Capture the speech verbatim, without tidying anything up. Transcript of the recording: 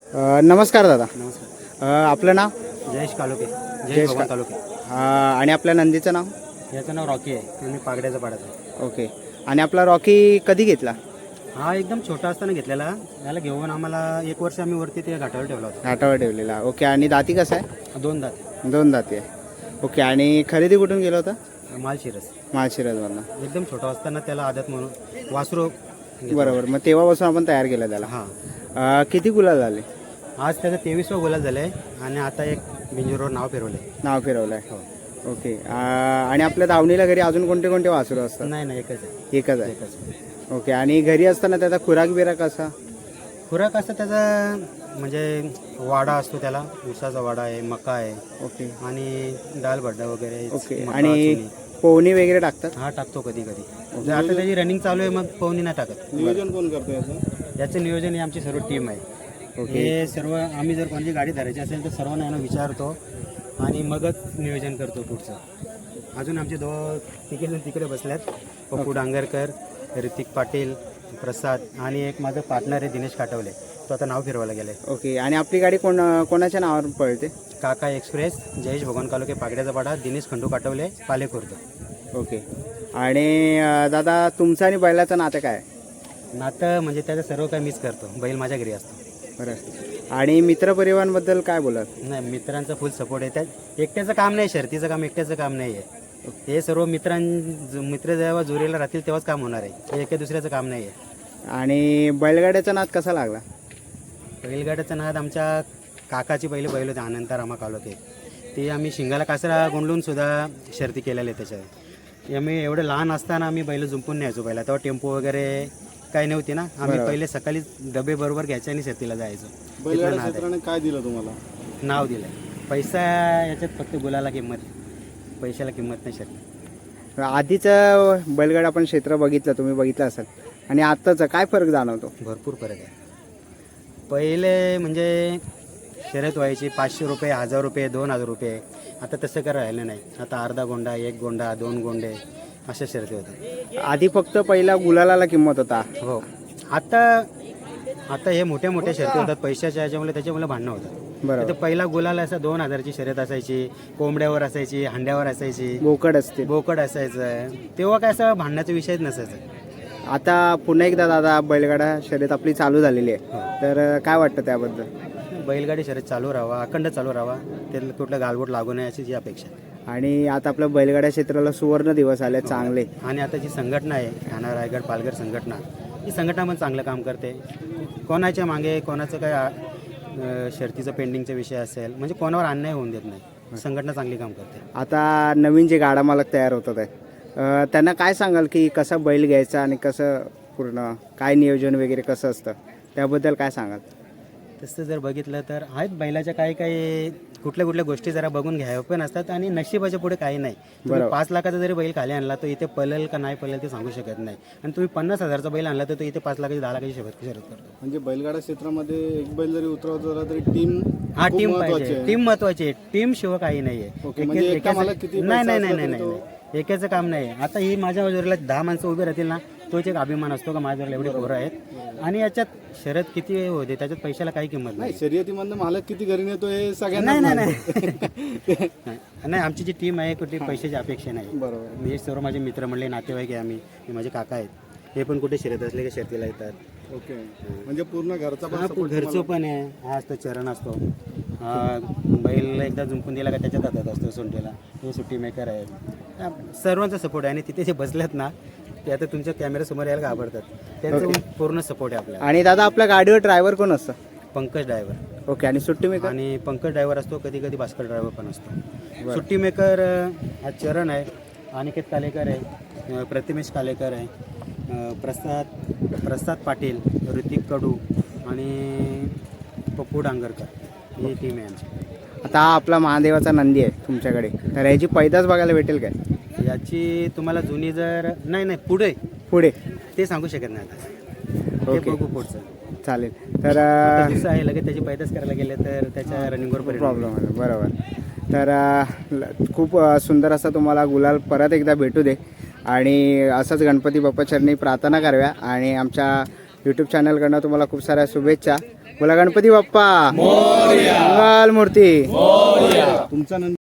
अ, नमस्कार दादा. नमस्कार. अ, आपलं नाव? जयेश कालोके, जयेश जयेश का- भगवान तालुके. अ, आणि आपल्या नंदीचं नाव? याचं नाव रॉकी आहे आणि पागड्याचा पाडाचा आहे. ओके. आणि आपला रॉकी कधी घेतला? हा एकदम छोटा असताना घेतलेला. याला घेऊन आम्हाला एक वर्ष आम्ही वरती ते घाटावर ठेवला होता. घाटावर ठेवलेला. ओके. आणि दाती कसं आहे? दोन दात दोन दाती आहे. ओके. आणि खरेदी कुठून गेलं होतं? मालशिरस. माळशिरसमधनं. एकदम छोटा असताना त्याला आदत म्हणून वासरू घेतलं. बरोबर. मग तेव्हापासून आपण तयार केलं त्याला. हां. अ, किती गुलाल झाले? आज त्याचं तेवीसवा गोलाल झालं आहे आणि आता एक बिंजूरवर नाव फिरवलं आहे. नाव फिरवलं आहे. हो. ओके. अ, आणि आपल्या दावणीला घरी अजून कोणते कोणते वासरू असतात? नाही नाही एकच आहे. एकच आहे. एकच. ओके. आणि घरी असताना त्याचा खुराक बिराक कसा? खुराक असं त्याचा म्हणजे वाडा असतो, त्याला ऊसाचा वाडा आहे, मका आहे ओके. आणि दाल भड्डा वगैरे. ओके. मका, आणि चुनी. पोहणी वगैरे टाकतात? हा टाकतो कधी कधी. जर आता त्याची रनिंग चालू आहे मग पवनी नाही टाकत. नियोजन कोण करतो याचं? याचं नियोजन ही आमची सर्व टीम आहे. ओके. हे सर्व आम्ही जर कोणती गाडी धरायची असेल तर सर्वांना यांना विचारतो आणि मगच नियोजन करतो पुढचं. अजून आमचे दो तिकडे जण तिकडे बसल्यात. पप्पू डांगरकर, ऋतिक पाटील, प्रसाद आणि एक माझं पार्टनर आहे दिनेश काटवले, तो आता नाव फिरवायला गेले. ओके. आणि आपली गाडी कोण कोणाच्या नावावर पळते? काका एक्सप्रेस, जयेश भगवान कालोके पागड्याचा पाडा, दिनेश खंडू काटवले पालेखुर्द. ओके. आणि अ, दादा तुमचं आणि बैलाचं नातं काय आहे? नातं म्हणजे त्याचं सर्व काही मिस करतो. बैल माझ्या घरी असतो. बरं. आणि मित्रपरिवारांबद्दल काय बोलाल? नाही, मित्रांचा फुल सपोर्ट आहे. त्या एकट्याचं काम नाही, शर्तीचं काम एकट्याचं काम नाही आहे. हे सर्व मित्रां मित्र जेव्हा जोरीला राहतील तेव्हाच काम होणार आहे. हे एका दुसऱ्याचं काम नाही आहे. आणि बैलगाड्याचा नाद कसा लागला? बैलगाड्याचा नाद आमच्या काकाची पहिले बैल होते, अनंत रामा कालोके. ते आम्ही शिंगाला कासरा गुंडलून सुद्धा शर्ती केलेल्या आहेत त्याच्यात. आम्ही एवढे लहान असताना आम्ही बैल जुंपून न्यायचो. पहिला तेव्हा टेम्पो वगैरे काही नव्हती ना. आम्ही पहिले सकाळी डबे बरोबर घ्यायचे आणि शर्तीला जायचो. बैलगाड्या क्षेत्राने काय दिलं तुम्हाला? नाव दिलं. पैसा याच्यात फक्त गुलाला किंमत, पैशाला किंमत नाही शर्ती. आधीचं बैलगाडा आपण क्षेत्र बघितलं, तुम्ही बघितलं असाल, आणि आत्ताचं काय फरक जाणवतो? भरपूर फरक आहे. पहिले म्हणजे शर्यत व्हायची पाचशे रुपये, हजार रुपये, दोन हजार रुपये. आता तसं काय राहिलं नाही. आता अर्धा गोंडा, एक गोंडा, दोन गोंडे अशा शर्यती होतात. आधी फक्त पहिला गुलालाला किंमत होता. हो. आता आता हे मोठ्या मोठ्या शर्यती होतात पैशाच्या याच्यामुळे, त्याच्यामुळे भांडणं होतात. बरोबर. तर पहिला गुलाल असा दोन हजारची शर्यत असायची, कोंबड्यावर असायची, हांड्यावर असायची, बोकड असते. बोकड असायचं. तेव्हा काय असं भांडण्याचा विषयच नसायचा. आता पुन्हा एकदा दादा बैलगाडा शर्यत आपली चालू झालेली आहे, तर काय वाटतं त्याबद्दल? बैलगाडी शर्यत चालू राहावा, अखंड चालू राहावा, त्याला कुठलं गालबोट लागू नये अशी जी अपेक्षा आहे. आणि आता आपलं बैलगाड्या क्षेत्राला सुवर्ण दिवस आले चांगले. आणि आता जी संघटना आहे ठाणा रायगड पालघर संघटना, ही संघटना पण चांगलं काम करते. कोणाच्या मागे कोणाचं काय अं, शर्तीचं पेंडिंगचा विषय असेल म्हणजे कोणावर अन्याय होऊन देत नाही. संघटना चांगली काम करते. आता नवीन जे गाडा मालक तयार होतात आहे, अ, त्यांना काय सांगाल की कसा बैल घ्यायचा आणि कसं पूर्ण काय नियोजन वगैरे कसं असतं, त्याबद्दल काय सांगाल? तसं जर बघितलं तर आहेत बैलाच्या काही काही कुठल्या कुठल्या गोष्टी जरा बघून घ्याव्या पण असतात आणि नशिबाच्या पुढे काही नाही. तुम्ही पाच लाखाचा जरी बैल खाली आणला तो इथे पळेल का नाही पळेल ते सांगू शकत नाही. आणि तुम्ही पन्नास हजारचा बैल आणला तर तो इथे पाच लाखाची दहा लाखाची शर्यत शर्यत करतो. म्हणजे बैलगाडा क्षेत्रामध्ये एक बैल जरी उतरवत झाला तरी टीम हा टीम पाहिजे. टीम महत्वाची आहे. टीम शिवाय काही नाहीये. ओके, म्हणजे एके- एका एकाचं- मालक किती नाही नाही पैसा नाही असला नाही तरी नाही एकाचं काम नाही. आता ही माझ्या बाजूला दहा माणसं उभी राहतील ना, तोच एक अभिमान असतो का माझ्यावर एवढे पोरं आहेत. आणि याच्यात शर्यत किती होते त्याच्यात पैशाला काही किंमत नाही. नाही, शर्यतीमधनं मालक किती घरी नेतो हे सगळ्यांना नाही नाही नाही नाही आमची जी टीम आहे कुठे पैशाची अपेक्षा नाही. बरोबर. मी सर्व माझे मित्र म्हणले नातेवाईक आहे आम्ही, हे माझे काका आहेत, हे पण कुठे शर्यत असले की शर्तीला येतात. ओके, म्हणजे पूर्ण घरचा पण हा, support घरचं पण आहे. हा असतो चरण असतो. हा, बैल एकदा जुंपून दिला का त्याच्यात हातात असतो सोंटीला. हे सुट्टी मेकर आहे. हा, सर्वांचा सपोर्ट आहे. आणि तिथे जे बसलेत ना ते आता तुमच्या कॅमेऱ्यासमोर यायला घाबरतात. त्यांचं पूर्ण सपोर्ट आहे आपल्याला. आणि दादा आपल्या गाडीवर ड्रायव्हर कोण असतं? पंकज ड्रायव्हर. ओके. आणि सुट्टी मेकर? आणि पंकज ड्रायव्हर असतो, कधी कधी भास्कर ड्रायव्हर पण असतो. सुट्टी मेकर हा चरण आहे, अनिकेत कालेकर आहे, अ, प्रतिमेश कालेकर आहे, अ, प्रसाद प्रसाद पाटील, ऋतिक कडू आणि पप्पू डांगरकर ही टीम आहे आमची. आता हा आपला महादेवाचा नंदी आहे तुमच्याकडे, तर याची पैदास बघायला भेटेल काय? याची तुम्हाला जुनी जर नाही नाही पुढे पुढे ते सांगू शकत नाही आता. ते ओके. बघू पुढचं. चालेल. तर अ, दिवस आहे लगेच त्याची पैदास करायला गेले तर त्याच्या रनिंगवर परिणाम प्रॉब्लेम आहे. बरोबर. तर अ, ल- खूप अ, सुंदर असा तुम्हाला गुलाल परत एकदा भेटू दे आणि असंच गणपती बाप्पा चरणी प्रार्थना कराव्या. आणि आमच्या यूट्यूब चॅनलकडनं तुम्हाला खूप साऱ्या शुभेच्छा. बोला गणपती बाप्पा मंगल मूर्ती. तुमचा नंतर